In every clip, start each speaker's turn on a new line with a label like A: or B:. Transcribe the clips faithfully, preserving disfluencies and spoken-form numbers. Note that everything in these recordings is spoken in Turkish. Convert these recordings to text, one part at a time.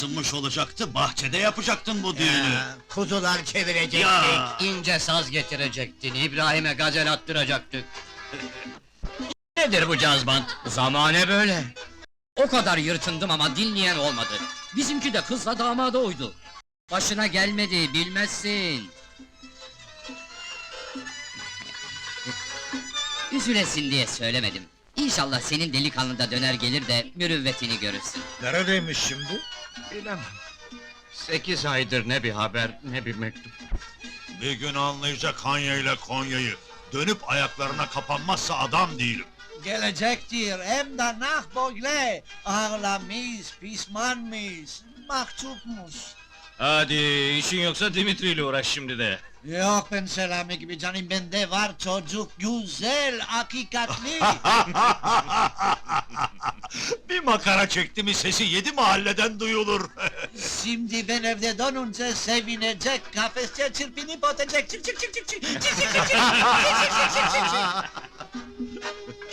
A: Isınmış olacaktı, bahçede yapacaktın bu düğünü.
B: Ya, kuzular çevirecektik.
A: Ya!
C: İnce saz getirecektin, İbrahim'e gazel attıracaktık. Nedir bu cazbant? Zamane böyle. O kadar yırtındım ama dinleyen olmadı. Bizimki de kızla damada uydu. Başına gelmedi, bilmezsin. Üzülesin diye söylemedim. İnşallah senin delikanlı da döner gelir de mürüvvetini görürsün.
D: Neredeymiş şimdi?
E: Bilemem. Sekiz aydır ne bir haber, ne bir mektup.
A: Bir gün anlayacak Hanya ile Konya'yı. Dönüp ayaklarına kapanmazsa adam değilim.
B: Gelecektir, hem de nah böyle. Ağlamış, pişmanmış, mahcupmuş.
E: Hadi, işin yoksa Dimitri ile uğraş şimdi de.
B: Yok ben Selami gibi canım, bende var çocuk güzel, hakikatli.
A: Bir makara çekti mi sesi yedi mahalleden duyulur.
B: Şimdi ben evde dönünce sevinecek, kafesçe çırpınıp ötecek. Çık çık çık çık çık çık çık çık çık çık çık çık çık çık.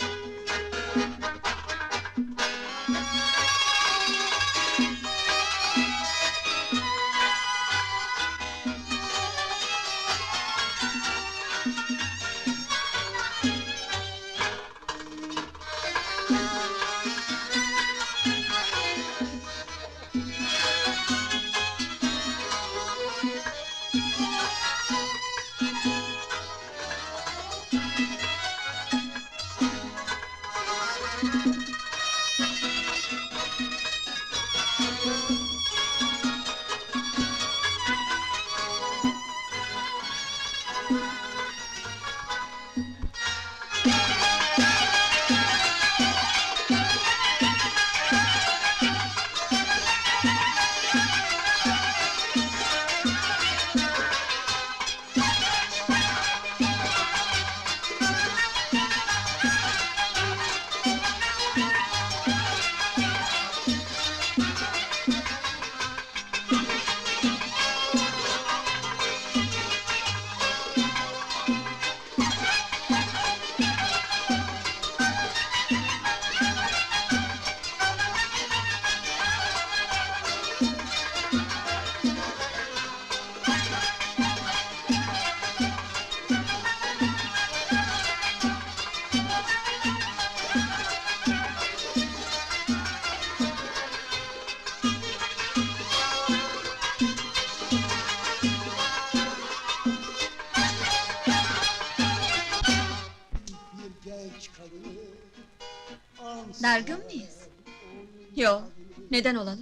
F: Dargın mıyız? Yo, neden olalım?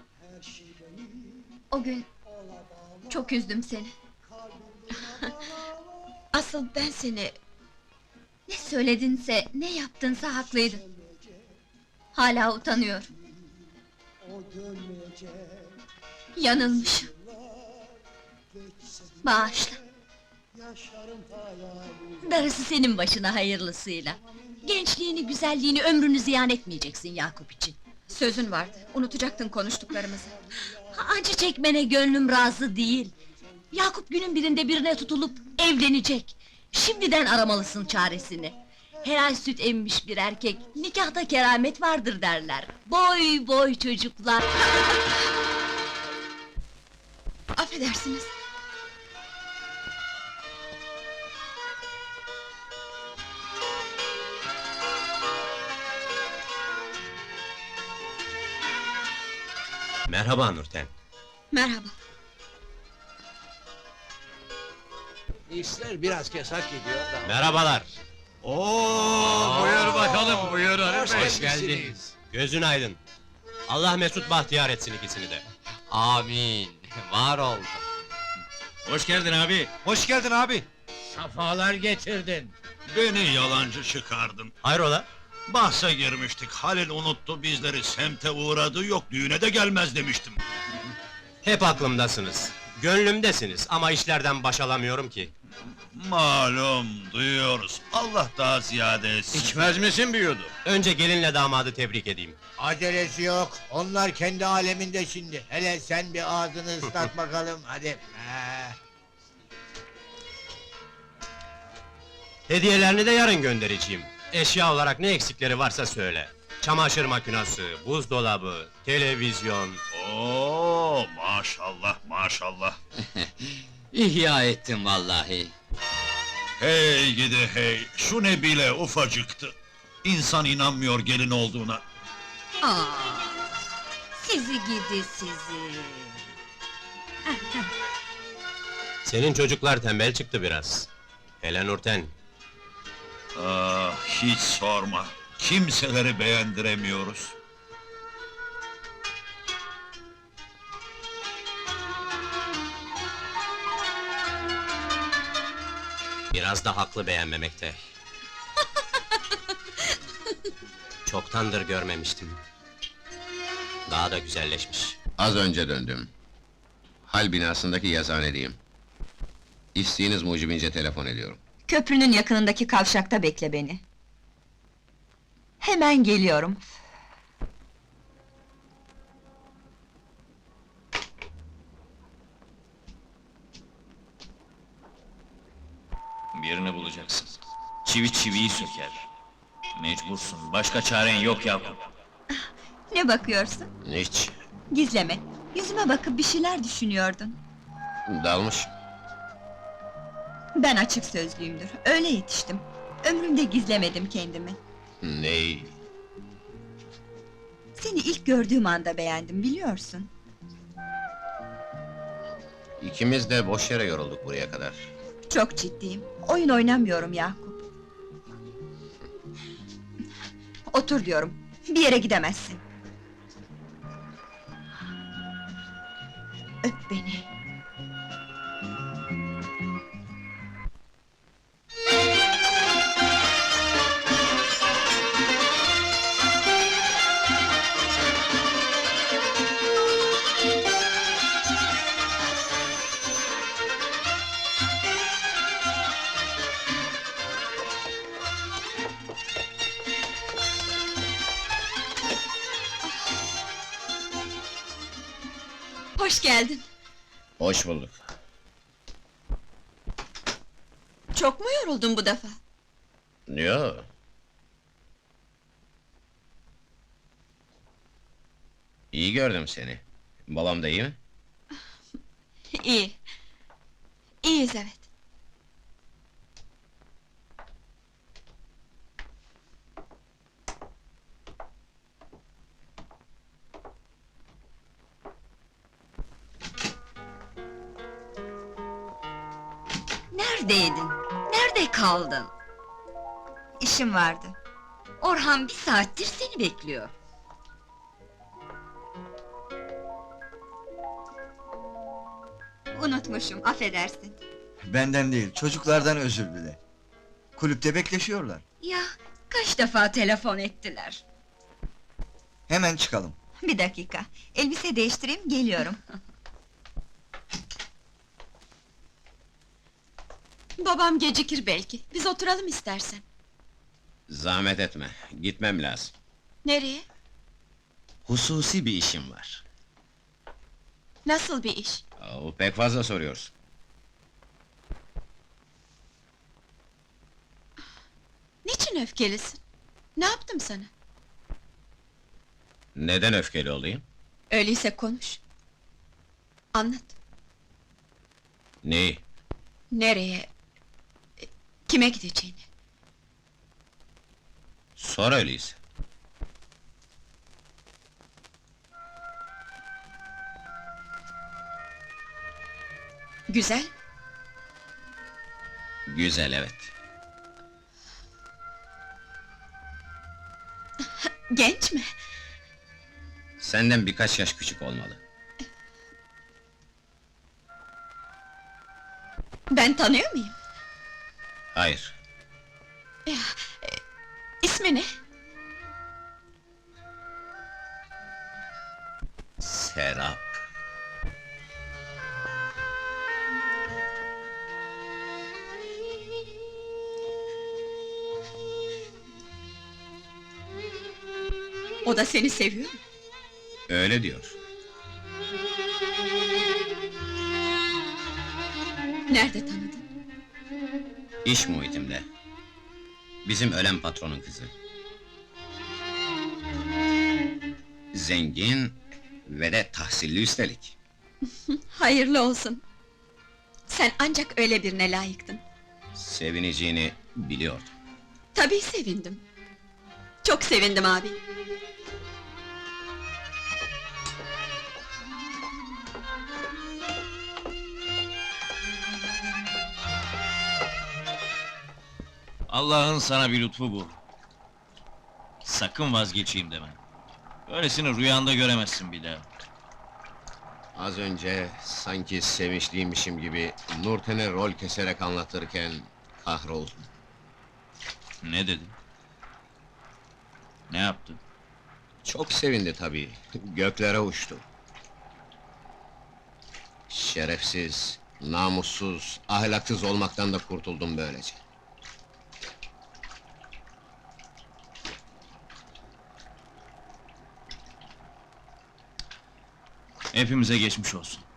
F: O gün çok üzdüm seni. Asıl ben seni... Ne söyledinse, ne yaptınsa haklıydın. Hala utanıyorum. Yanılmışım. Bağışla. Darısı senin başına hayırlısıyla. Gençliğini, güzelliğini, ömrünü ziyan etmeyeceksin Yakup için. Sözün vardı, unutacaktın konuştuklarımızı. Acı çekmene gönlüm razı değil. Yakup günün birinde birine tutulup evlenecek. Şimdiden aramalısın çaresini. Helal süt emmiş bir erkek, nikahta keramet vardır derler. Boy boy çocuklar! Affedersiniz.
G: Merhaba Nurten.
F: Merhaba.
B: İşler biraz kesak gidiyor da.
G: Merhabalar.
A: Oo,
E: Buyur bakalım, buyur
B: Hoş
E: Arif Bey.
B: Hoş geldiniz.
G: Gözün aydın. Allah mesut bahtiyar etsin ikisini de.
C: Amin, var ol.
E: Hoş geldin abi.
D: Hoş geldin abi.
B: Safalar getirdin.
A: Beni yalancı çıkardın.
G: Hayrola?
A: Bahse girmiştik, Halil unuttu bizleri, semte uğradı, yok düğüne de gelmez demiştim.
G: Hep aklımdasınız. Gönlümdesiniz ama işlerden baş alamıyorum ki.
A: Malum, duyuyoruz, Allah daha ziyade etsin.
E: İçmez misin bir yudum?
G: Önce gelinle damadı tebrik edeyim.
B: Acelesi yok, onlar kendi aleminde şimdi. Hele sen bir ağzını ıslat bakalım, hadi. Ee,
G: Hediyelerini de yarın göndereceğim. Eşya olarak ne eksikleri varsa söyle. Çamaşır makinesi, buzdolabı, televizyon...
A: Oo, Maşallah, maşallah.
C: İhya ettim vallahi.
A: Hey gidi hey, şu ne bile ufacıktı. İnsan inanmıyor gelin olduğuna.
F: Aa, sizi gidi sizi.
G: Senin çocuklar tembel çıktı biraz. Hele Nurten.
A: Ah, hiç sorma. Kimseleri beğendiremiyoruz.
G: Biraz da haklı beğenmemekte. Çoktandır görmemiştim. Daha da güzelleşmiş.
H: Az önce döndüm. Hal binasındaki yazıhanedeyim. İsteğiniz mucibince telefon ediyorum.
I: Köprünün yakınındaki kavşakta bekle beni. Hemen geliyorum.
J: Birini bulacaksın. Çivi çiviyi söker. Mecbursun, başka çaren yok Yakup.
I: Ne bakıyorsun?
H: Hiç.
I: Gizleme. Yüzüme bakıp bir şeyler düşünüyordun.
H: Dalmış.
I: Ben açık sözlüyümdür. Öyle yetiştim. Ömrümde gizlemedim kendimi.
H: Ney?
I: Seni ilk gördüğüm anda beğendim, biliyorsun.
H: İkimiz de boş yere yorulduk buraya kadar.
I: Çok ciddiyim. Oyun oynamıyorum Yakup. Otur diyorum. Bir yere gidemezsin. Öp beni.
F: Hoş geldin.
H: Hoş bulduk.
F: Çok mu yoruldun bu defa?
H: Yo. İyi gördüm seni. Babam da iyi mi?
F: İyi. İyiyiz evet. Neredeydin? Nerede kaldın?
I: İşim vardı.
F: Orhan bir saattir seni bekliyor.
I: Unutmuşum, affedersin.
D: Benden değil, çocuklardan özür dile. Kulüpte bekleşiyorlar.
F: Ya kaç defa telefon ettiler.
D: Hemen çıkalım.
I: Bir dakika, elbise değiştireyim, geliyorum.
F: Babam gecikir belki. Biz oturalım istersen.
H: Zahmet etme, gitmem lazım.
F: Nereye?
H: Hususi bir işim var.
F: Nasıl bir iş?
H: Oo, pek fazla soruyorsun.
F: Niçin öfkelisin? Ne yaptım sana?
H: Neden öfkeli olayım?
F: Öyleyse konuş. Anlat.
H: Neyi?
F: Nereye? e, Kime gideceğini?
H: Sor öyleyse.
F: Güzel.
H: Güzel, evet.
F: Genç mi?
H: Senden birkaç yaş küçük olmalı.
F: Ben tanıyor muyum?
H: Hayır.
F: İsmi ne?
H: Serap.
F: O da seni seviyor mu?
H: Öyle diyor.
F: Nerede tanıdın?
H: İş muhitimde. Bizim ölen patronun kızı. Zengin ve de tahsilli üstelik.
I: Hayırlı olsun. Sen ancak öyle birine layıktın.
H: Sevineceğini biliyordum.
I: Tabii sevindim. Çok sevindim abi.
J: Allah'ın sana bir lütfu bu. Sakın vazgeçeyim deme. Böylesini rüyanda göremezsin bir daha.
H: Az önce sanki sevinçliymişim gibi Nurten'e rol keserek anlatırken kahroldum.
J: Ne dedin? Ne yaptı?
H: Çok sevindi tabii, göklere uçtu. Şerefsiz, namussuz, ahlaksız olmaktan da kurtuldum böylece.
J: Hepimize geçmiş olsun.